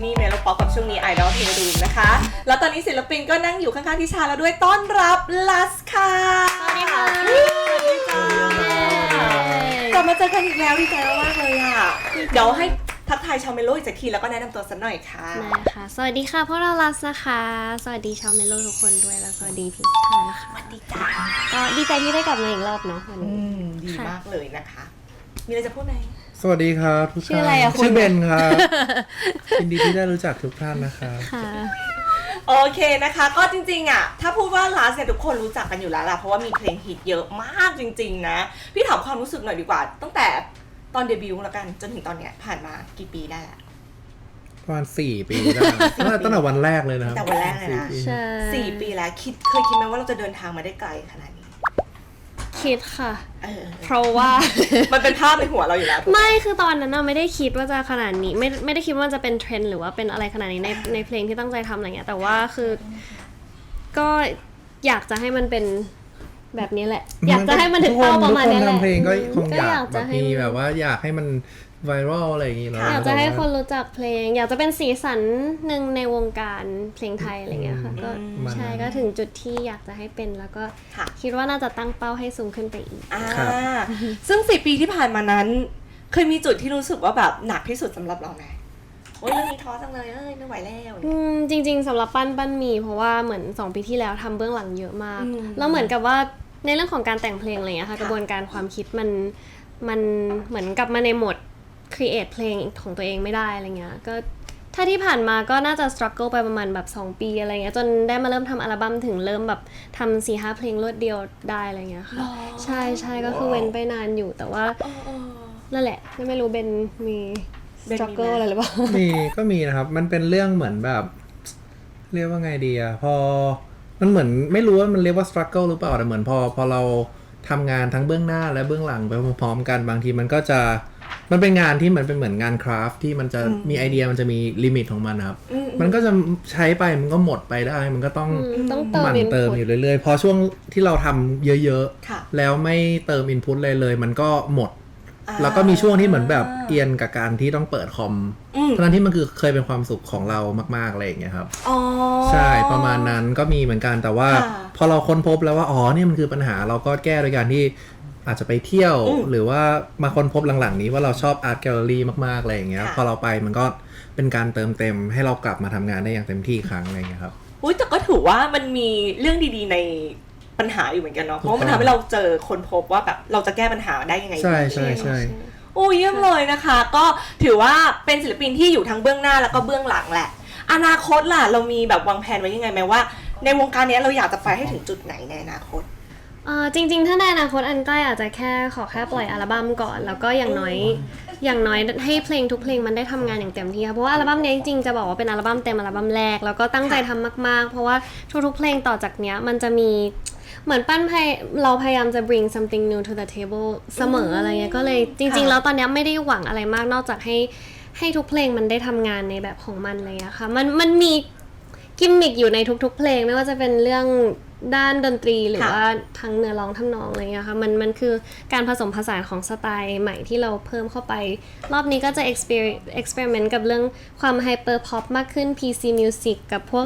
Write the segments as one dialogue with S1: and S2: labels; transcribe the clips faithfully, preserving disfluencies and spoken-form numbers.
S1: นี่เมโลป๊อปกับช่วงนี้ไอดอลเพลงดูนะคะแล้วตอนนี้ศิลปินก็นั่งอยู่ข้างๆทิชาแล้วด้วยต้อนรับลัสค่ะสวัสดีค่ะสวัสดีจ้ากลับมาเจอกันอีกแล้วดีใจมากเลยอ่ะเดี๋ยวให้ทักทายชาวเมโลอีกสักทีแล้วก็แนะนำตัวสักหน่อยค่ะ
S2: นะคะสวัสดีค่ะพวกเราลัสนะคะสวัสดีชาวเมโลทุกคนด้วยแล้วสวัสดีพี่ค่ะนะคะ
S1: สวัสดีจ้า
S2: ก็ดีใจที่ได้กลับมาอีกรอบเนาะวันนี้
S1: ดีมากเลยนะคะมีอะไรจะพูดไหม
S3: สวัสดีครับทุกท่านชื่ออะไรอะคุณชื่อเบนครับยินดีที่ได้รู้จักทุกท่านนะครับ
S2: ค่ะ
S1: โอเคนะคะก็จริงๆอ่ะถ้าพูดว่าลัสเนี่ยทุกคนรู้จักกันอยู่แล้วล่ะเพราะว่ามีเพลงฮิตเยอะมากจริงๆนะพี่ถามความรู้สึกหน่อยดีกว่าตั้งแต่ตอนเดบิวต์แล้วกันจนถึงตอนเนี้ยผ่านมากี่ปีได้ละ
S3: ประมาณสี่ปีได้ตั้งแต่วันแรกเลยนะครับ
S1: แต่วันแรกเลยนะ
S2: ใช่
S1: สี่ปีแล้วคิดเคยคิดไหมว่าเราจะเดินทางมาได้ไกลขนาดนี้
S2: คิดค่ะ
S1: เออ
S2: เพราะว่า
S1: มันเป็นภาพในหัวเราอยู่แล้ว
S2: ไม่คือตอนนั้นน่ะไม่ได้คิดว่าจะขนาดนี้ไม่ไม่ได้คิดว่าจะเป็นเทรนด์หรือว่าเป็นอะไรขนาดนี้ในในเพลงที่ตั้งใจทำอะไรเงี้ยแต่ว่าคือก็อยากจะให้มันเป็นแบบนี้แหละอยากจะให้มันถึงเป้าประมาณนี้แหละ
S3: ทุกคนทำเพลงก็คงอยากแบบมีแบบว่าอยากให้มันไวรัลอะไรอย่างงี้เนาะ
S2: อยากจะให้คนรู้จักเพลงอยากจะเป็นสีสันหนึ่งในวงการเพลงไทยอะไรเงี้ยค่ะก็ใช่ก็ถึงจุดที่อยากจะให้เป็นแล้วก็คิดว่าน่าจะตั้งเป้าให้สูงขึ้นไปอีก
S1: อ่าซึ่งสี่ปีที่ผ่านมานั้นเคยมีจุดที่รู้สึกว่าแบบหนักที่สุดสำหรับเราไหมโอ้ยเรื่องนี้ท้อจังเลยเอ้ยไม่ไหวแล้ว
S2: อืมจริงๆสำหรับปั้นปั้นมีเพราะว่าเหมือนสองปีที่แล้วทำเบื้องหลังเยอะมากแล้วเหมือนกับว่าในเรื่องของการแต่งเพลงอะไรเงี้ยค่ะกระบวนการความคิดมันมันเหมือนกลับมาในโหมดcreate เพลงของตัวเองไม่ได้อะไรเงี้ยก็ถ้าที่ผ่านมาก็น่าจะ struggle ไปประมาณแบบสองปีอะไรเงี้ยจนได้มาเริ่มทำอัลบั้มถึงเริ่มแบบทำ สี่ห้า เพลงรวดเดียวได้อะไรเงี้ยค่ะใช่ใช่ก็คือเว้นไปนานอยู่แต่ว่านั่นแหละไม่รู้เบนมี struggle อะไรหรือเปล่า
S3: มีก็มีนะครับมันเป็นเรื่องเหมือนแบบเรียกว่าไงดีอะพอมันเหมือนไม่รู้ว่ามันเรียกว่า struggle หรือเปล่าแต่เหมือนพอพอเราทำงานทั้งเบื้องหน้าและเบื้องหลังไปพร้อมๆกันบางทีมันก็จะมันเป็นงานที่มันเป็นเหมือนงานคราฟที่มันจะมีไอเดียมันจะมีลิมิตของมันครับมันก็จะใช้ไปมันก็หมดไปได้มันก็ต้องหมั่นเติมอยู่เรื่อยๆพอช่วงที่เราทำเยอะๆแล้วไม่เติมอินพุตเลยเลยมันก็หมดแล้วก็มีช่วงที่เหมือนแบบเอียนกับการที่ต้องเปิดคอมเพราะนั้นที่มันคือเคยเป็นความสุขของเรามากๆอะไรอย่างเงี้ยครับใช่ประมาณนั้นก็มีเหมือนกันแต่ว่าพอเราค้นพบแล้วว่าอ๋อนี่มันคือปัญหาเราก็แก้โดยการที่อาจจะไปเที่ยวหรือว่ามาค้นพบหลังๆนี้ว่าเราชอบอาร์ตแกลเลอรี่มากๆอะไรอย่างเงี้ยพอเราไปมันก็เป็นการเติมเต็มให้เรากลับมาทำงานได้อย่างเต็มที่อีกครั้งอะไรอย่างเงี้ยครับ
S1: อุ้ยแต่ก็ถือว่ามันมีเรื่องดีๆในปัญหาอยู่เหมือนกันเนาะเพราะมันทำให้เราเจอคนพบว่าแบบเราจะแก้ปัญหาได้ยังไง
S3: ใช่ใช่ใช่
S1: โอ้ยเยี่ยมเลยนะคะก็ถือว่าเป็นศิลปินที่อยู่ทั้งเบื้องหน้าแล้วก็เบื้องหลังแหละอนาคตล่ะเรามีแบบวางแผนไว้ยังไงไหมว่าในวงการนี้เราอยากจะไปให้ถึงจุดไหนในอนาคต
S2: เอ่อจริงๆถ้าในอนาคตอันใกล้อาจจะแค่ขอแค่ปล่อยอัลบั้มก่อนแล้วก็อย่างน้อยอย่างน้อยให้เพลงทุกเพลงมันได้ทำงานอย่างเต็มที่ค่ะเพราะว่าอัลบั้มนี้จริงๆจะบอกว่าเป็นอัลบั้มเต็มอัลบั้มแรกแล้วก็ตั้งใจทำมากๆเพราะว่าทุกๆเพลงต่อจากเนี้ยมันจะมีเหมือนปั้นพยเราพยายามจะ bring something new to the table เสมออะไรเงี้ยก็เลยจริงๆแล้วตอนนี้ไม่ได้หวังอะไรมากนอกจากให้ให้ทุกเพลงมันได้ทำงานในแบบของมันอะไรเงี้ยค่ะมันมันมีกิมมิคอยู่ในทุกๆเพลงไม่ว่าจะเป็นเรื่องด้านดนตรีหรือว่าทั้งเนื้อร้องทำนองอะไรเงี้ยค่ะมันมันคือการผสมผสานของสไตล์ใหม่ที่เราเพิ่มเข้าไปรอบนี้ก็จะ experiment กับเรื่องความ hyper pop มากขึ้น พี ซี music กับพวก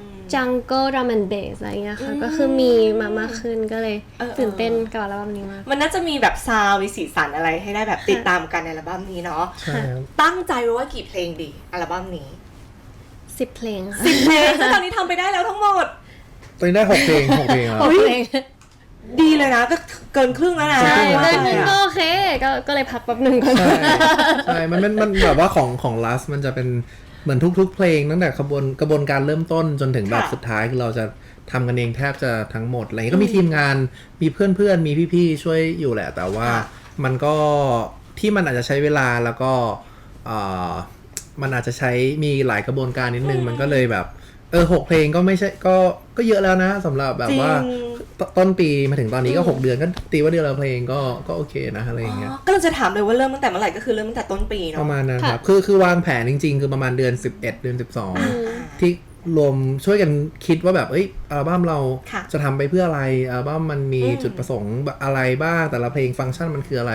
S2: jungle drum and bass อะไรเงี้ยค่ะก็คือมีมามากขึ้นก็เลยตื่นเต้นกับอัลบั้มนี้มาก
S1: มันน่าจะมีแบบซาวด์มีสีสันอะไรให้ได้แบบติดตามกันในอัลบั้มนี้เนาะตั้งใจไว้ว่ากี่เพลงดีอัลบั้มนี้
S2: สิบเพลงค่ะ
S1: สิบเพลงซึ่งตอนนี้ทำไปได้แล้วทั้งหมด
S3: ตอนนี้ได้หกเพลงหกเพลงแล้ว
S1: ดีเลยนะก็เกินครึ่งแล้วนะ
S2: ใช่ได้หนึ่งก็โอเคก็ก็เลยพักแป๊บนึงก่อน
S3: ใช่มันมันแบบว่าของของลัสมันจะเป็นเหมือนทุกๆเพลงตั้งแต่กระบวนกระบวนการเริ่มต้นจนถึงแบบสุดท้ายคือเราจะทำกันเองแทบจะทั้งหมดอะไรก็มีทีมงานมีเพื่อนๆมีพี่ๆช่วยอยู่แหละแต่ว่ามันก็ที่มันอาจจะใช้เวลาแล้วก็มันอาจจะใช้มีหลายกระบวนการนิดนึงมันก็เลยแบบเออหกเพลงก็ไม่ใช่ก็ก็เยอะแล้วนะสำหรับแบบว่าต้นปีมาถึงตอนนี้ก็หกเดือนก็ตีว่าเดือนละเพลงก็ก็โอเคนะอะไรอย่างเงี้ย
S1: ก็เราจะถามเลยว่าเริ่มตั้งแต่เมื่อไหร่ก็คือเริ่มตั้งแต่ต้นปีเนาะ
S3: ประมาณนั้นครับคือคือวางแผนจริงๆคือประมาณเดือนสิบเอ็ดเดือนสิบสองที่รวมช่วยกันคิดว่าแบบเอ้ยอัลบั้มเราจะทำไปเพื่ออะไรอัลบั้มมันมีจุดประสงค์อะไรบ้างแต่ละเพลงฟังก์ชันมันคืออะไร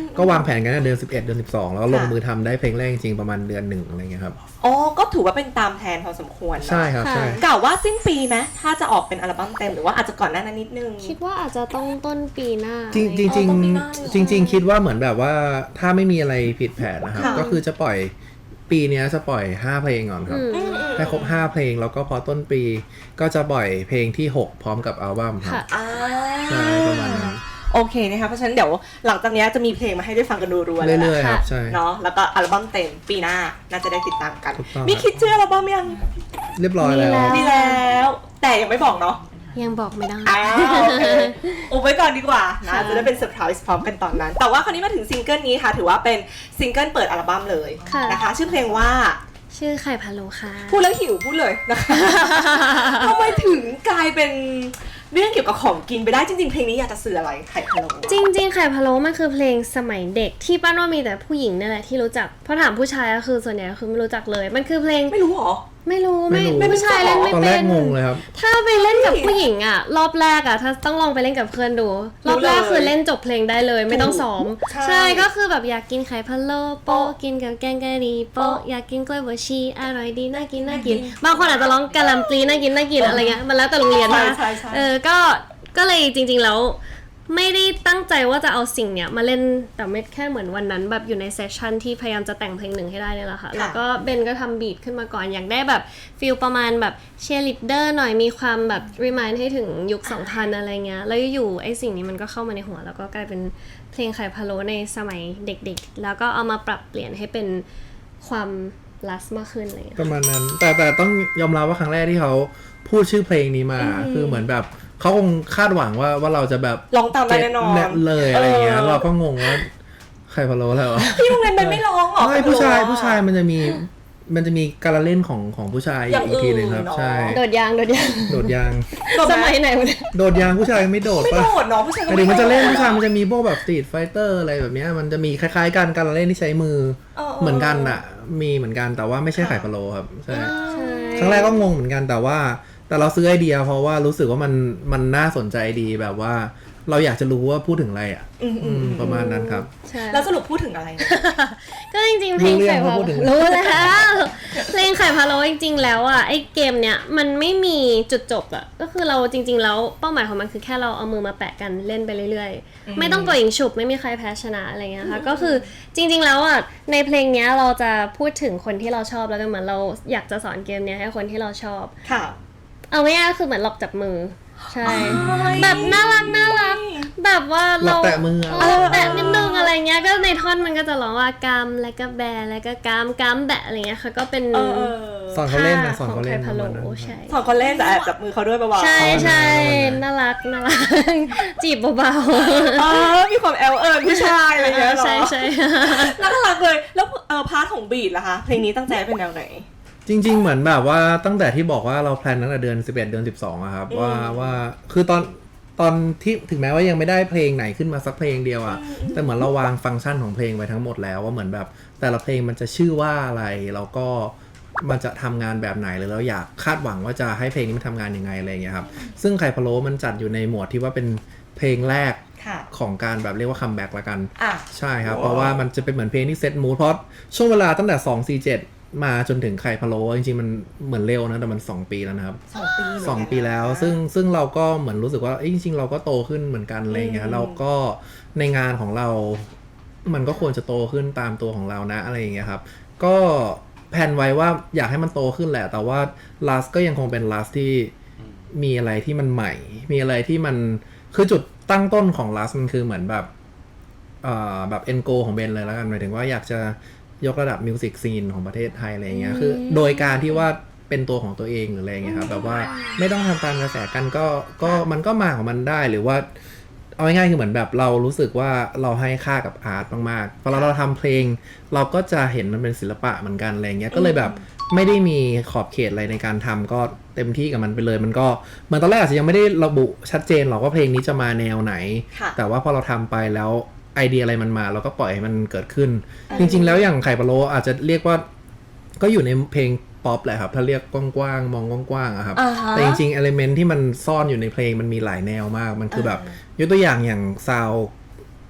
S3: ก็วางแผนกันในเดือนสิบเอ็ดเดือนสิบสองแล้วก็ลงมือทำได้เพลงแรกจริงๆประมาณเดือนหนึ่งอะไรเงี้ยครับ
S1: อ๋อก็ถือว่าเป็นตามแผนพอสมควรเนอะ
S3: ใช่ครับใช่
S1: กล่าวว่าสิ้นปีไหมถ้าจะออกเป็นอัลบั้มเต็มหรือว่าอาจจะก่อนหน้านั้นนิดนึง
S2: คิดว่าอาจจะต้องต้นปีหน้า
S3: จริงจริงจริง
S1: อ๋อต้องมีหน้าเหรอ
S3: จริง ๆ คิดว่าเหมือนแบบว่าถ้าไม่มีอะไรผิดแผนนะครับ
S1: ค่ะ
S3: ก็คือจะปล่อยปีเนี้ยจะปล่อยห้าเพลงก่อนครับ
S2: อืม
S1: อืมอืม
S3: ให้ครบห้าเพลงแล้วก็พอต้นปีก็จะปล่อยเพลงที่หกพร้อมกับอัลบั้มครับ
S2: ค่ะ
S1: อ่า
S3: ใช่ประมาณนั้น
S1: โอเคนะคะเพราะฉะนั้นเดี๋ยวหลังจากนี้จะมีเพลงมาให้ได้ฟังกันรัวๆเลย
S3: เรื่อยๆ
S1: นะ
S3: ครับใช่
S1: เนาะแล้วก็อัลบั้มเต็มปีหน้าน่าจะได้ติดตามกัน
S3: ถูกต้อง
S1: มีคิดชื่ออัลบั้มยัง
S3: เรียบร้อยแล้ว
S2: มีแล้ว
S1: มีแล้ว แต่ยังไม่บอกเนาะ
S2: ยังบอกไม่ได้
S1: อ้าวโอเคอุบไว้ก่อนดีกว่านะ
S2: ค่ะ
S1: จะได้เป็นเซอร์ไพรส์พร้อมกันตอนนั้น แต่ว่าคราวนี้มาถึงซิงเกิลนี้ค่ะ ถือว่าเป็นซิงเกิลเปิดอัลบั้มเลยนะคะ ชื่อเพลงว่า
S2: ชื่อไข่พะโล้ค่ะ
S1: พูดแล้วหิวพูดเลยนะคะทำไมถึงกลายเป็นเรื่องเกี่ยวกับของกินไปได้จริงๆเพลงนี้อยากจะสื่ออะไรไข่พะโล้
S2: จริงๆ ไข่พะโล้มันคือเพลงสมัยเด็กที่ป้าว่ามีแต่ผู้หญิงนั่นแหละที่รู้จักเพราะถามผู้ชายก็คือส่วนใหญ่ก็คือไม่รู้จักเลย มันคือเพลง
S1: ไม่รู้หรอ
S2: ไม่รู้
S3: ไม่
S2: ไม่
S3: รู้
S2: ผู้ชายเล่นไม่
S3: ตอนแร
S2: เป็
S3: ก
S2: น
S3: งงเลยครับ
S2: ถ้าไปเล่นกับผู้หญิงอ่ะ รอบแรกอ่ะถ้าต้องลองไปเล่นกับเพื่อนดู รอบแรกคือเล่นจบเพลงได้เลยไม่ต้องซ้อม
S1: ใช่
S2: ใช่ก็คือแบบอยากกินไข่พะโล้โปะกินกับแกงกะหรี่โปะอยากกินกล้วยบวชชีอร่อยดีน่ากินน่ากิน บางคนอาจจะร้องกะหล่ำปลีน่ากินน่ากินอะไรเงี้ยมันแล้วแต่โรงเรียน
S1: ใช่
S2: นะ
S1: ใช่ใช่
S2: เออก็ก็เลยจริงๆแล้วไม่ได้ตั้งใจว่าจะเอาสิ่งเนี้ยมาเล่นแต่ไม่แค่เหมือนวันนั้นแบบอยู่ในเซสชันที่พยายามจะแต่งเพลงหนึ่งให้ได้เนี่ยแหละค่ะแล้วก็เบนก็ทำบีทขึ้นมาก่อนอยากได้แบบฟีลประมาณแบบเชียร์ลีดเดอร์หน่อยมีความแบบรีมายด์ให้ถึงยุค สองพัน อะไรเงี้ยแล้วอยู่ๆไอ้สิ่งนี้มันก็เข้ามาในหัวแล้วก็กลายเป็นเพลงไข่พะโล้ในสมัยเด็กๆแล้วก็เอามาปรับเปลี่ยนให้เป็นความลัสมากขึ้นอะไรเงี้ย
S3: ประมาณนั้น แต่แต่ต้องยอมรับว่าครั้งแรกที่เขาพูดชื่อเพลงนี้มา คือเหมือนแบบเขาคงคาดหวังว่าว่าเราจะแบบ
S1: ร้องตามได้แน่นอน
S3: เก็ตเลยอะไรเงี้ย
S1: เออ
S3: เราก็งงว่าใครพะโล้แล้วะ
S1: พี่โรงเรียนเป็นไม่ร้องหรอ
S3: ไม่ผู้ชาย
S1: ไข่พะโล้อะ
S3: ผู้ชายมันจะมีมันจะมีการละเล่นของของผู้ชาย
S1: อย่าง
S3: อีกทีหนึ่งครับ
S1: อื่นเนอะ
S3: ใช่
S2: โดดยางโดดยาง
S3: โดดยาง
S2: สมัยไหนวะเนี่ย
S3: โดดยางผู้ชายไม่โดด
S1: ไม่
S3: ปะ
S1: โดดเนาะผู้ชายก็
S3: แต่เดี๋ยวมันจะเล่น
S1: โดด
S3: ผู้ชายมันจะมีพวกแบบสตรีทไฟเตอร์อะไรแบบเนี้ยมันจะมีคล้ายๆกันการละเล่นที่ใช้มือ
S1: เออ
S3: เหมือนกันอ่ะ มีเหมือนกันแต่ว่าไม่ใช่ไข่พะโล้ครับใช่
S2: ใช่
S3: ครั้งแรกก็งงเหมือนกันแต่ว่า แต่เราซื้อไอเดียเพราะว่ารู้สึกว่ามันมันน่าสนใจดีแบบว่า เราอยากจะรู้ว่าพูดถึงอะไรอ่ะ
S1: อืมอื
S3: อื
S1: ม
S3: มประมาณนั้นครับ
S2: ใช่
S1: แล้วสรุปพูดถึงอะไรนะ
S2: ก็จริงๆเพลง
S3: รู้เรื่อ
S2: ไข่
S3: ง
S2: พะ
S3: ว่าพู
S2: โล้
S3: ดถึง
S2: รู้แล้วเพลงไข่พะโล้จริงๆแล้วอ่ะไอ้เกมเนี้ยมันไม่มีจุดจบอ่ะก็คือเราจริงๆแล้วเป้าหมายของมันคือแค่เราเอามือมาแปะกันเล่นไปเรื่อยๆ ไม่ต้องปล่อยยิงฉุบไม่มีใครแพ้ชนะอะไรเงี้ยค่ะก็คือจริงๆแล้วอ่ะในเพลงเนี้ยเราจะพูดถึงคนที่เราชอบแล้วกันเหมือนเราอยากจะสอนเกมเนี้ยให้คนที่เราชอบ
S1: ค่ะ
S2: เอาง่ายๆก็คือเหมือนหลอกจับมือใช่แบบน่ารักน่ารักแบบว่า
S3: หล
S2: เรา
S3: อกแตะมือ
S2: เออแตะนิดนึงอะไรเงี้ยก็ในท่อนมันก็จะร้องว่ากามแล้วก็แบแล้วก็กามกามแบะอะไรเงี้ยค่ะก็เป็น
S1: เออเออ
S3: สอนเขาเล่นนะสอน
S2: ขอ
S3: เขา
S2: งไข่
S3: เล่นป
S2: พะ
S3: ระ
S2: โล้
S3: มาณนั้น
S2: ใช่
S1: สอนคนเล่นแต่แอบจับมือเขาด้วยเบาๆ
S2: ใช่ใช่
S3: ประมาณนั้น
S2: น่ารักน่ารัก จีบเบา
S1: เออมีความแอลเอิญผู้ชายอะไร
S2: ๆ
S1: อย่างเงี้ยเหรอ
S2: ใช่ใช่
S1: น่ารักเลยแล้วเออพาร์ทของบีทล่ะคะเพลงนี้ตั้งใจเป็นแนวไหน
S3: จริง ๆ เหมือนแบบว่าตั้งแต่ที่บอกว่าเราแพลนตั้งแต่เดือนสิบเอ็ดเดือนสิบสองอะครับ
S1: อืม
S3: ว่าว่าคือตอนตอนที่ถึงแม้ว่ายังไม่ได้เพลงไหนขึ้นมาสักเพลงเดียวอะแต่เหมือนเราวางฟังก์ชันของเพลงไว้ทั้งหมดแล้วว่าเหมือนแบบแต่ละเพลงมันจะชื่อว่าอะไรแล้วก็มันจะทำงานแบบไหนหรือเราอยากคาดหวังว่าจะให้เพลงนี้มันทำงานยังไงอะไรอย่างเงี้ยครับซึ่งไข่พะโล้มันจัดอยู่ในหมวดที่ว่าเป็นเพลงแรก
S1: ค่ะ
S3: ของการแบบเรียกว่าคัมแบ็กละกัน
S1: อ่ะ
S3: ใช่ครับ เพราะว่ามันจะเป็นเหมือนเพลงที่เซตมูดเพราะช่วงเวลาตั้งแต่สอง สี่ เจ็ดมาจนถึงไข่พะโล้จริงๆมันเหมือนเร็วนะแต่มันสองปีแล้วนะครับ
S1: สองปีเหมือนกัน
S3: สองปีแล้ว ซึ่งซึ่งเราก็เหมือนรู้สึกว่าเอ้ยจริงๆเราก็โตขึ้นเหมือนกันอะไรเงี้
S1: อื
S3: ย
S1: ม
S3: เราก็ในงานของเรา มันก็ควรจะโตขึ้นตามตัวของเรานะอะไรอย่างเงี้ยครับก็แผนไว้ว่าอยากให้มันโตขึ้นแหละ แต่ว่า last ก็ยังคงเป็น last ที่มีอะไรที่มันใหม่ มีอะไรที่มันคือจุดตั้งต้นของ last มันคือเหมือนแบบเอ่อแบบ end goal ของเบนเลยแล้วกันหมายถึงว่าอยากจะยกระดับมิวสิกซีนของประเทศไทยอะไรเงี้ยคือโดยการที่ว่าเป็นตัวของตัวเองหรืออะไรเงี้ยครับแบบว่าไม่ต้องทำตามกระแสกันก็ก็มันก็มาของมันได้หรือว่าเอาง่ายๆคือเหมือนแบบเรารู้สึกว่าเราให้ค่ากับอาร์ตมากๆพอเราเราทำเพลงเราก็จะเห็นมันเป็นศิลปะเหมือนกันอะไรเงี้ยก็เลยแบบไม่ได้มีขอบเขตอะไรในการทำก็เต็มที่กับมันไปเลยมันก็เหมือนตอนแรกอาจจะยังไม่ได้ระบุชัดเจนหรอกว่าเพลงนี้จะมาแนวไหน
S1: ค่ะ
S3: แต่ว่าพอเราทำไปแล้วไอเดียอะไรมันมาเราก็ปล่อยให้มันเกิดขึ้น จริงๆแล้วอย่างไข่พะโล้อาจจะเรียกว่าก็อยู่ในเพลงป๊อปแหละครับถ้าเรียกกว้างๆมองกว้างๆอะครับ
S1: อ่าฮะ
S3: แต่จริงๆเอลิเมนต์ที่มันซ่อนอยู่ในเพลงมันมีหลายแนวมากมันคือแบบยกตัวอย่างอย่างซาว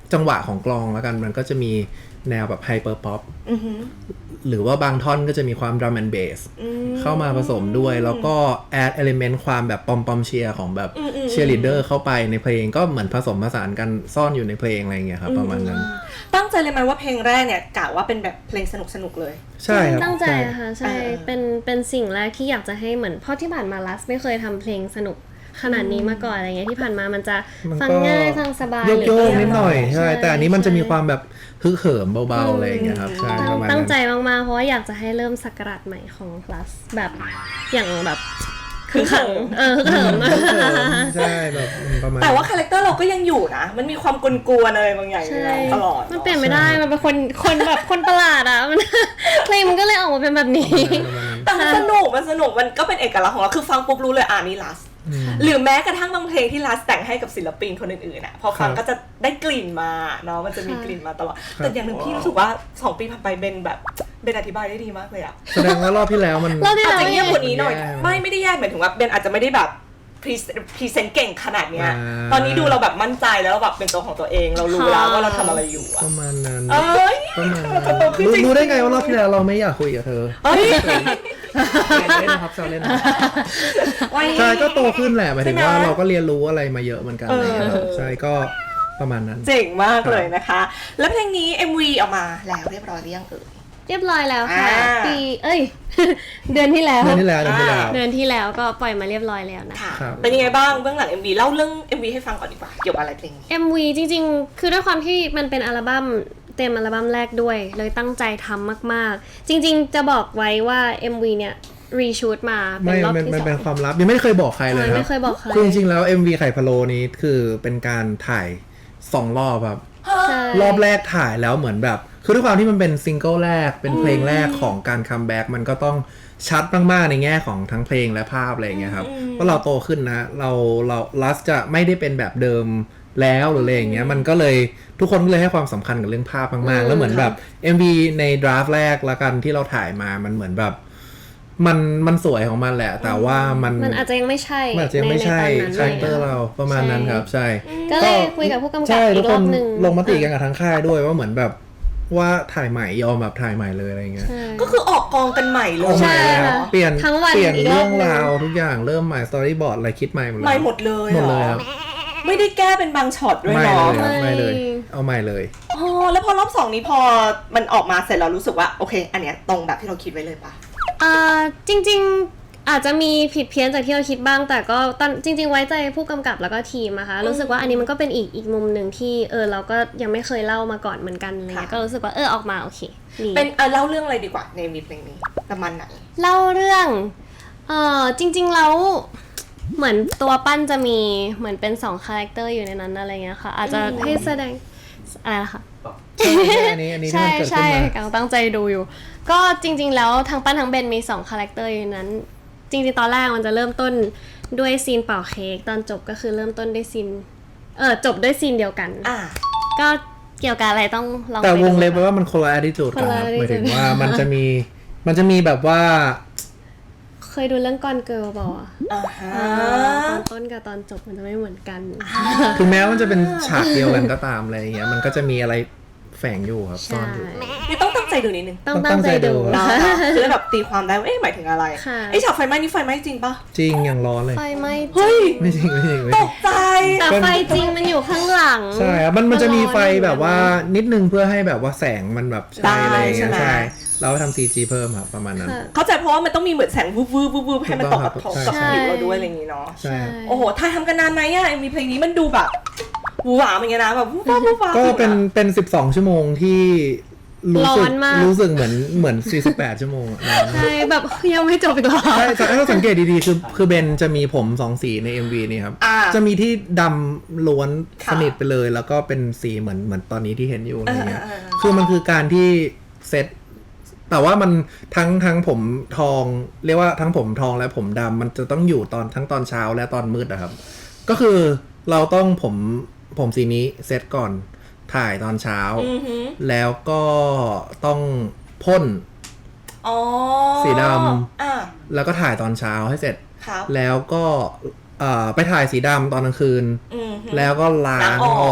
S3: จังหวะของกลองแล้วกันมันก็จะมีแนวแบบไฮเปอร์ป๊อป
S1: อือหือ
S3: หรือว่าบางท่อนก็จะมีความดรัมแอนด์เบสเข้ามาผสมด้วยแล้วก็แอดเอลิเมนต์ความแบบปอมปอมเชียร์ของแบบเชียร์ลีดเดอร์เข้าไปในเพลงก็เหมือนผสมผสานกันซ่อนอยู่ในเพลงอะไรอย่างเงี้ยครับประมาณนั้น
S1: ตั้งใจเลยไหมว่าเพลงแรกเนี่ยกะว่าเป็นแบบเพลงสนุกสนุกเลย
S3: ใช่ครับ
S2: ตั้งใจอะค่ะใช่เป็นเป็นสิ่งแรกที่อยากจะให้เหมือนเพราะที่ผ่านมาลัสไม่เคยทำเพลงสนุกขนาดนี้มาก่อนอะไรเงี้ยที่ผ่านมามันจะฟังง่ายฟังสบาย
S3: โยกโยกนิดหน่อยใช่แต่อันนี้มันจะมีความแบบฮึกเหิมเบาๆอะไรอย่างเงี้ยครับใช่ประมาณนั้น
S2: ตั้งใจมากๆเพราะว่าอยากจะให้เริ่มศักราชใหม่ของ plus แบบอย่างแบบคือขังเออคือเหิม
S3: ใช่แบบประมาณ
S1: แต่ว่าคาแรคเตอร์เราก็ยังอยู่นะมันมีความกวนๆอะไรบางอย่างอยู่ตลอด
S2: มันเปลี่ยนไม่ได้มันเป็นคนคนแบบคนประหลาดอ่ะมันเพลงมันก็เลยออกมาเป็นแบบนี้
S1: แต่มันสนุกมันสนุกมันก็เป็นเอกลักษณ์ของเราคือฟังปุ๊บรู้เลยอ่านี่ลัสหรือแม้กระทั่งบางเพลงที่ลัสแต่งให้กับศิลปินคนอื่นๆอ่ะพอฟังก็จะได้กลิ่นมาเนาะมันจะมีกลิ่นมาตลอดแต่อย่างหนึ่งพี่รู้สึกว่าสองปีผ่านไปเบนแบบเบนอธิบายได้ดีมากเลยอ่ะ
S3: แสดงว่ารอบที่แล้วมัน
S1: อาจจะเงียบกว่านี้หน่อยไม่ไม่ได้แย่หมายถึงว่าเบนอาจจะไม่ได้แบบพรีเซนต์เก่งขนาดเนี้ยตอนนี้ดูเราแบบมั่นใจแล้วแบบเป็นตัวของตัวเองเรารู้แล้วว่าเราทำอะไรอยู่อะ
S3: ประมาณนั้น
S1: เอ้ย
S3: ประมาณนั้นรู้รู้ได้ไงว่ารอบที่แล้วเราไม่อยากคุยกับเธอ
S1: เฮ้ย
S3: เล่นนะครับแซวเล่นใช่ก็โตขึ้นแหละหมายถึงว่าเราก็เรียนรู้อะไรมาเยอะเหมือนกันนะครับใช่ก็ประมาณนั้น
S1: เจ๋งมากเลยนะคะ แล้วเพลงนี้ เอ็ม วี ออกมาแล้วเรียบร้อยหรือยังเอ่ย
S2: เรียบร้อยแล้วค่ะปีเอ้ย เดือนที่แล้ว
S3: เดือนที่แล้วเดือนที่แล้ว
S2: เดือนที่แล้วก็ปล่อยมาเรียบร้อยแล้วนะคะ
S1: เป็นยังไงบ้างเบื้องหลัง เอ็ม วี เล่าเรื่อง เอ็ม วี ให้ฟังก่อนดีกว่าเกี่ยวกับอะไรเพลงนี้
S2: เอ็ม วี จริงๆคือด้วยความที่มันเป็นอัลบั้มเต็มอัลบั้มแรกด้วยเลยตั้งใจทำมากๆจริงๆจะบอกไว้ว่า เอ็ม วี เนี่ยรีชูตมาเป็นรอบที่สอง
S3: มันเป็นความลับยังไม่เคยบอกใครเลยครับ
S2: ไม่เคยบอกใคร
S3: คือจริงๆแล้ว เอ็ม วี ไข่พะโล้นี้คือเป็นการถ่ายสองรอบครับรอบแรกถ่ายแล้วเหมือนแบบคือด้วยความที่มันเป็นซิงเกิลแรกเป็นเพลงแรกของการคัมแบ็กมันก็ต้องชัดมากๆในแง่ของทั้งเพลงและภาพอะไรอย่างเงี้ยครับเพราะเราโตขึ้นนะเราเราลัสจะไม่ได้เป็นแบบเดิมแล้วหรืออะไรอย่างเงี้ยมันก็เลยทุกคนก็เลยให้ความสำคัญกับเรื่องภาพมากๆแล้วเหมือนแบบ เอ็ม วี ในดราฟต์แรกละกันที่เราถ่ายมามันเหมือนแบบมันมันสวยของมันแหละแต่ว่ามัน
S2: มันอาจจะยังไม่ใช่
S3: มันอาจจะยังไม่ใช่คาแรคเตอร์เราประมาณนั้นครับใช่
S2: ก็เลยคุยกับผู้กำกับอีกรอบนึง
S3: ลงมติกันกับทั้งค่ายด้วยว่าเหมือนแบบว่าถ่ายใหม่ยอมแบบถ่ายใหม่เลยอะไรเงี้ย
S1: ก็คือออกกองกันใหม่เลย
S3: ใช่เปลี่ยนเปลี่ยนเรื่องราวทุกอย่างเริ่มใหม่สตอรี่บอร์ดอะไรคิดใหม่หมดเลย
S1: ใหม่หมดเลย
S3: หมดเลยครับ
S1: ไม่ได้แก้เป็นบางช็อตด้วยเนาะ
S3: ไม่เลยเอาใหม่เลย
S1: อ๋อแล้วพอรอบสองนี้พอมันออกมาเสร็จเรารู้สึกว่าโอเคอันเนี้ยตรงแบบที่เราคิดไว้เลยปะ
S2: อ่าจริงๆอาจจะมีผิดเพี้ยนจากที่เราคิดบ้างแต่ก็ตอนจริงๆไว้ใจผู้กำกับแล้วก็ทีมนะคะรู้สึกว่าอันนี้มันก็เป็นอีกอีกมุมหนึ่งที่เออเราก็ยังไม่เคยเล่ามาก่อนเหมือนกันอะไรเงี้ยก็รู้สึกว่าเออออกมาโอเค
S1: เป็นเออเล่าเรื่องอะไรดีกว่าในมีเพลงนี้ประมาณไหน
S2: เล่าเรื่องเออจริงๆแล้วเหมือนตัวปั้นจะมีเหมือนเป็นสองคาแรคเตอร์อยู่ในนั้นอะไรเงี้ยค่ะอาจจะให้แสดงอะไรนะคะใช่ใช่กำลังตั้งใจดูอยู่ก็จริงๆแล้วทั้งปั้นทั้งเบนมีสองคาแรคเตอร์อยู่นั้นจริงๆตอนแรกมันจะเริ่มต้นด้วยซีนเป่าเค้กตอนจบก็คือเริ่มต้นด้วยซีนเออจบด้วยซีนเดียวกัน
S1: อ่า
S2: ก็เกี่ยวกับอะไรต้องลอง
S3: แต่วงเล็บไว้ว่ามันคนละ attitude กันครับหมายถึงว่ามันจะมีมันจะมีแบบว่า
S2: เคยดูเรื่องกอนเกิร์ลบอกอ่ะตอนต้นกับตอนจบมันจะไม่เหมือนกัน
S3: ถึงแม้มันจะเป็นฉากเดียวกันก็ตามอะไรอย่างเงี้ยมันก็จะมีอะไรแฝงอยู่ครับซ่อนอยู่
S1: นี่ต้องตั้งใจดูนิดนึง
S2: ต้องตั้งใจดู
S1: นะคือแบบตีความได้ว่าเอ๊ะหมายถึงอะไรไอ้ฉากไฟไหม้นี่ไฟไหม้จริงปะ
S3: จริงอย่างร้อนเลย
S2: ไฟไหม้
S1: เฮ้ย
S3: ไม่จริงไม่จริง
S1: ตกใจ
S2: แต่ไฟจริงมันอยู่ข้างหลัง
S3: ใช่ครับมันมันจะมีไฟแบบว่านิดนึงเพื่อให้แบบว่าแสงมันแบบใช่อะไรอย่างเงี้ยใช่เราทำ ซี จี เพิ่มครับประมาณนั้น
S1: เข้าใจเพราะว่ามันต้องมีเหมือนแสงวูบวูบวูบให้มันตกกับท้องกับผิวเราด้วยอะไรอย่างงี้เนาะ
S3: ใช่
S1: โอ้โหถ่ายทำกันนานไหมอ่ะมีเพลงนี้มันดูแบบวูหวาเหมือนกันนะแบบวูบวูบวูบ
S3: ก็เป็นเป็นสิบสองชั่วโมงที่รู้สึกรู้สึกเหมือนเหมือนสี่สิบแปดชั่วโมง
S2: ใช่แบบยังไม่จบอีกหรอ
S3: ใช่ถ้าสังเกตดีๆคือคือเบนจะมีผมสองสีใน เอ็ม วี นี่ครับจะมีที่ดำล้วนสนิทไปเลยแล้วก็เป็นสีเหมือนเหมือนตอนนี้ที่เห็นอยู่อะไรเงี้ยคือมันคือการที่เซตแต่ว่ามันทั้งทั้งผมทองเรียกว่าทั้งผมทองและผมดำมันจะต้องอยู่ตอนทั้งตอนเช้าและตอนมืดนะครับก็คือเราต้องผมผมสีนี้เซตก่อนถ่ายตอนเช้าแล้วก็ต้องพ่นสีดำแล้วก็ถ่ายตอนเช้าให้เสร็จแล้วก็ไปถ่ายสีดำตอนกลางคืนแล้วก็ล้างออก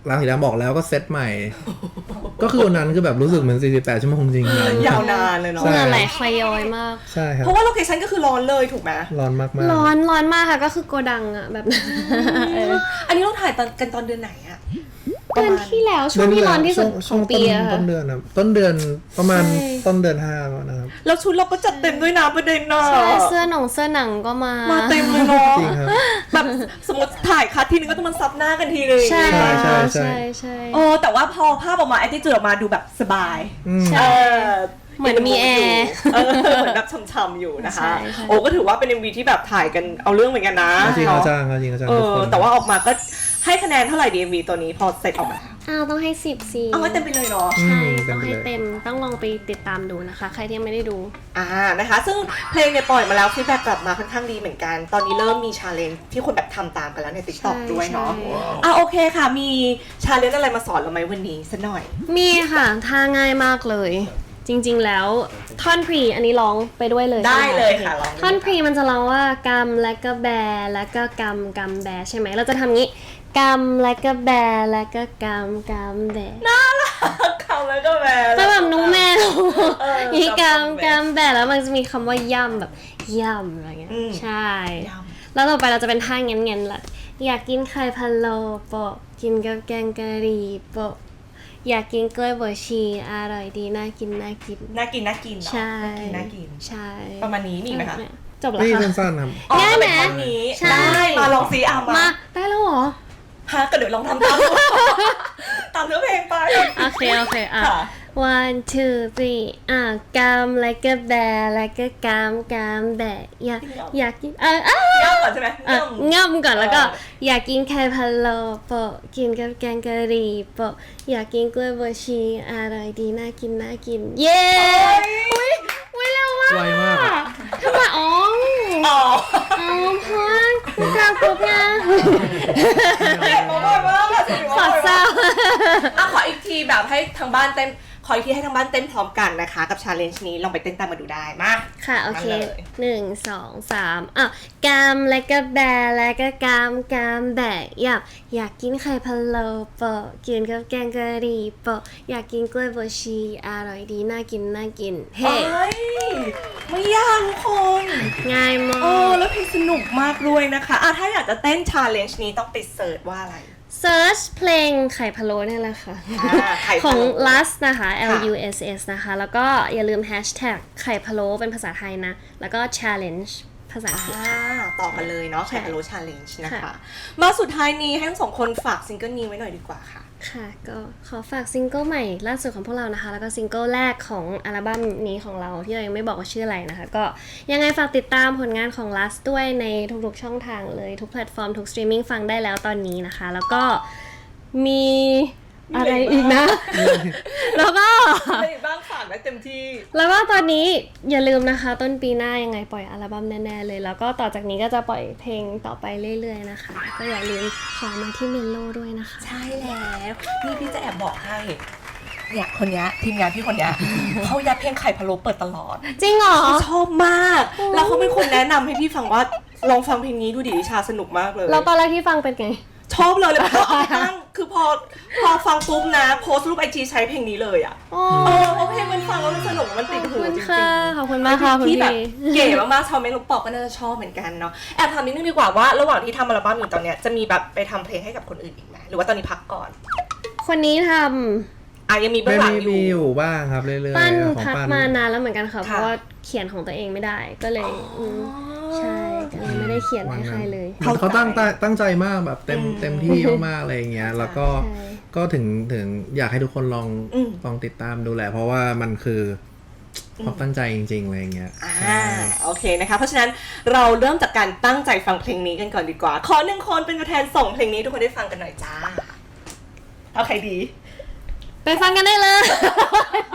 S3: ลาสีดำบอกแล้วก็เซตใหม่ ก็คือวันนั้นคือแบบรู้สึกเหมือนสี่สิบแปดชั่วโมงจริงๆเลย
S1: ยาวนานเลยเนาะ
S3: ใช่
S2: เหงื่อไหลคอยย้อยมาก
S3: ใช่ครับ
S1: เพราะว่าโลเคชั่นก็คือร้อนเลยถูกไหม
S3: ร้อนมากๆ
S2: ร้อนร้อนมากค่ะก็คือโกดังอะแบบนั้นเออ
S1: อันนี้เราถ่ายตอนกันตอนเดือนไหนอะ
S2: เดือนที่แล้วช่วงที่ร้อนที่สุดของปีอะ
S3: ต้
S2: ค่ะ
S3: นเดือนครับต้นเดือนประมาณ
S2: ใช่
S3: ต้นเดือนห้านะครับ
S1: แล้วชุดเราก็จัดเต็มด้วยนะประเด็นน่ะ
S2: ใช่เสื้อหนงเสื้อหนังก็มา
S1: มาเต็มเลยเนาะ
S3: จริงครับ
S1: แบบสมมติถ่ายคัดทีนึงก็ต้องมันซับหน้ากันทีนึง
S2: ใช่
S3: ใช่ใช่
S2: ใช่ใช่
S1: โอ้แต่ว่าพอภาพออกมาแอตติจูดออกมาดูแบบสบาย
S3: อืม
S2: ใช่
S1: เออ
S2: เหมือนมีแอร์
S1: เออเหมือนแบบช่ำๆอยู่นะคะ
S2: ใช่ใช่
S1: โอ้ก็ถือว่าเป็น เอ็ม วี ที่แบบถ่ายกันเอาเรื่องเหมือนกันนะ
S3: จริง
S1: เนาะ
S3: อาจารย์จริงอาจารย์
S1: เอ
S3: ทุก
S1: อ
S3: คน
S1: แต่ว่าออกมาก็ให้คะแนนเท่าไหร่ดี เอ็ม วี ตัวนี้พอเสร็จออกมา
S2: อ้าวต้องให้สิบสิ
S1: เอาไว้เต็มไปเลยเนาะ
S2: ใช่ต้องให้เต็มต้องลองไปติดตามดูนะคะ ใครที่ยังไม่ได้ดู
S1: อ่านะคะ ซึ่งเพลงเนี่ยปล่อยมาแล้วฟีดแบ็กกลับมาค่อนข้างดีเหมือนกัน ตอนนี้เริ่มมีชาเลนจ์ที่คนแบบทำตามกันแล้วใน TikTok
S2: ใช่
S1: ด้วยเนาะ
S2: ใช่
S1: อ่ะโอเคค่ะ มีชาเลนจ์อะไรมาสอนเราไหมวันนี้สักหน่อย
S2: มีค่ะท่าง่ายมากเลย จริงๆแล้วท่อนพรีอันนี้ร้องไปด้วยเลย
S1: ได้
S2: ใช่หม
S1: เลยค่ะลองดู
S2: ท่อนพรีมันจะร้องว่ากำและก็แบแล้วก็กำกำแบใช่ไหมเราจะทำงี้กำและก็แบแล้วก็กำกำแบ
S1: น่ารักคำแล้วก็แบ
S2: ก็แบบน้องแมว
S1: เออ
S2: นี่
S1: กำ
S2: กำกำแบแล้วมันจะมีคำว่าย่ำแบบย่ำอะไรเงี้ย
S1: อืม
S2: ใช่
S1: ย่
S2: แล้วต่อไปเราจะเป็นท่าเงี้ยๆละอยากกินไข่พะโล้โปะกินกับแกงกะหรี่โปะอยากกินกล้วยบวชชีอร่อยดีน่ากินน่ากิน
S1: น่ากินน่ากินเนาะ
S2: ใช่
S1: น่ากินน่ากิน
S2: ใช่
S1: ประมาณนี้มีไหมคะ
S2: จบแล้ว
S3: นี่
S2: ค่ะ
S3: สั้นๆครับ
S1: อ๋อ
S2: ง่ายไหม
S1: เป็นท่อนนี้
S2: ใช่
S1: ได้มาลองซีอา
S2: มา
S1: มา
S2: ได้แล้วเหรอ
S1: ฮะก็เดี๋ยวลองทำตามดู ตามเนื้อเพลงไป
S2: โอเคโอเคอ่ะ
S1: ค่ะ
S2: one two three อ่ะกำแล้วก็แบแล้วก็กำกำแบอยากอยากกินเอออ่ะ
S1: ย่อก่อนใช่ไหม
S2: อ่ะ
S1: ย่ำ
S2: ง่ำก่อนแล้วก็
S1: เออ
S2: อยากกินไข่พะโล้โปะกินกับแกงกะหรี่โปะอยากกินกล้วยบวชชีอร่อยดีน่ากินน่ากิน เย้อุ้ยอุ้ยเร็วมาก
S3: ไวมากอะ
S2: ทำไมอ๋อ
S1: อ๋อ
S2: อ๋อเพราะว่าคุณกลางปุ๊บนะ
S1: เด็กมาบ่อยมากอะสิ
S2: ขอเศร้า
S1: อ่ะขออีกทีแบบให้ทางบ้านเต้นขออีกทีให้ทางบ้านเต้นพร้อมกันนะคะ กับชาเลนจ์นี้ลองไปเต้นตามมาดูได้มา
S2: ค่ะโอเค
S1: มาเลย
S2: หนึ่งสองสามอ่ะกำแล้วก็แบแล้วก็กำกำแบอยากอยากกินไข่พะโล้โปะกินกับแกงกะหรี่โปะอยากกินกล้วยบวชชีอร่อยดีน่ากินน่ากินเฮ้
S1: เฮ้ยไม่ยากทุกคน
S2: ง่ายมา
S1: โอ้
S2: ก
S1: แล้วเพลงสนุกมากด้วยนะคะอ่ะถ้าอยากจะเต้นชาเลนจ์นี้ต้องไปเสิร์ชว่าอะไร
S2: search เพลงไข่พะโล้เนี่ยแหละค่ะ
S1: อ่าไข่
S2: ขอ
S1: พะ
S2: ง
S1: โล้
S2: lust นะคะ L
S1: ค่ะ
S2: U S S นะคะ แล้วก็อย่าลืม hashtag ไข่พะโล้เป็นภาษาไทยนะ แล้วก็ challenge ภาษาอังกฤษ
S1: อ่าต่อกันเลยเนาะ
S2: ใช่
S1: ไข่พะโล้ชาเลนจ์นะคะ
S2: ค่ะ
S1: มาสุดท้ายนี้ให้ทั้งสองคนฝากซิงเกิลนี้ไว้หน่อยดีกว่าค่ะ
S2: ค่ะ ก็ขอฝากซิงเกิลใหม่ล่าสุดของพวกเรานะคะ แล้วก็ซิงเกิลแรกของอัลบั้มนี้ของเราที่เรายังไม่บอกว่าชื่ออะไรนะคะ ก็ยังไงฝากติดตามผลงานของ lust ด้วยในทุกๆช่องทางเลย ทุกแพลตฟอร์ม ทุกสตรีมมิ่งฟังได้แล้วตอนนี้นะคะ แล้วก็มีอะไรอีกนะ แล้วก็
S1: อะไรบ้างฝากได้เต็มที่
S2: แล้วก็ตอนนี้อย่าลืมนะคะ ต้นปีหน้ายังไงปล่อยอัลบั้มแน่ๆเลย แล้วก็ต่อจากนี้ก็จะปล่อยเพลงต่อไปเรื่อยๆนะคะ ก็อย่าลืมขอมาที่เมโลด้วยนะคะ
S1: ใช่แล้วนี่พี่จะแอบบอกให้เนี่ยคนเนี้ยทีมงานพี่คนเนี้ย เขายัดเพลงไข่พะโล้เปิดตลอด
S2: จริงเหรอ
S1: เขาชอบมาก แล้วเขาเป็นคนแนะนำให้พี่ฟังว่าลองฟังเพลงนี้ดูดิชาสนุกมากเลย
S2: แล้วตอนแรกที่ฟังเป็นไง
S1: ชอบเลยเลยพอเอาไปตั้งคือพอพอฟังปุ๊บนะโพสต์รูปไอจีใช้เพลงนี้เลยอ่ะ
S2: โอ้
S1: เออเพราะเพลงมันฟังแล้วมันสนุกมัน
S2: ข
S1: ติ
S2: อ
S1: ด
S2: บ
S1: หู
S2: คุณ
S1: จริง
S2: ค่ะ
S1: ๆ
S2: ขอบคุณมากค่ะคุณ
S1: ที่
S2: พี่
S1: แบบเก๋มากๆชาวเมนลูกปอกก็น่าจะชอบเหมือนกันเนาะแอบถามนิดนึงดีกว่าว่าระหว่างที่ทำอัลบั้มอยู่ตอนเนี้ยจะมีแบบไปทำเพลงให้กับคนอื่นอีกไหมหรือว่าตอนนี้พักก่อน
S2: คนนี้ท
S1: อ่ะยังมีเบื้
S3: ไม่
S1: องหลัง
S3: มี
S1: อยู่
S3: มีอยู่บ้างครับเรื่อย
S2: ำ
S3: ๆ
S2: ปั้น
S3: ของ
S2: พัก
S3: ปั้น
S2: มานานแล้วเหมือนกันค่ะ
S1: ค่ะ
S2: เพราะว่าเขียนของตัวเองไม่ได้ ก็เลยมใช่ก็เลยไม่ได้เขียนให้ใครเลย
S3: เหมือนเขาตั้งตั้งตั้งใจมากแบบเต็ม
S1: อืม
S3: เต็มที่มากๆอะไรอย่างเงี้ย แล้วก็
S2: ใช่
S3: ก็ถึงถึงอยากให้ทุกคนลอง
S1: อืม
S3: ลองติดตามดูแหละ เพราะว่ามันคือความตั้งใจจริงๆอะไรอย่างเงี้ย
S1: อ่า
S3: ใช่
S1: โอเคนะคะ เพราะฉะนั้นเราเริ่มจากการตั้งใจฟังเพลงนี้กันก่อนดีกว่า ขอหนึ่งคนเป็นตัวแทนส่งเพลงนี้ทุกคนได้ฟังกันหน่อยจ้าเอาใครดี
S2: ไปฟังกันได้เลย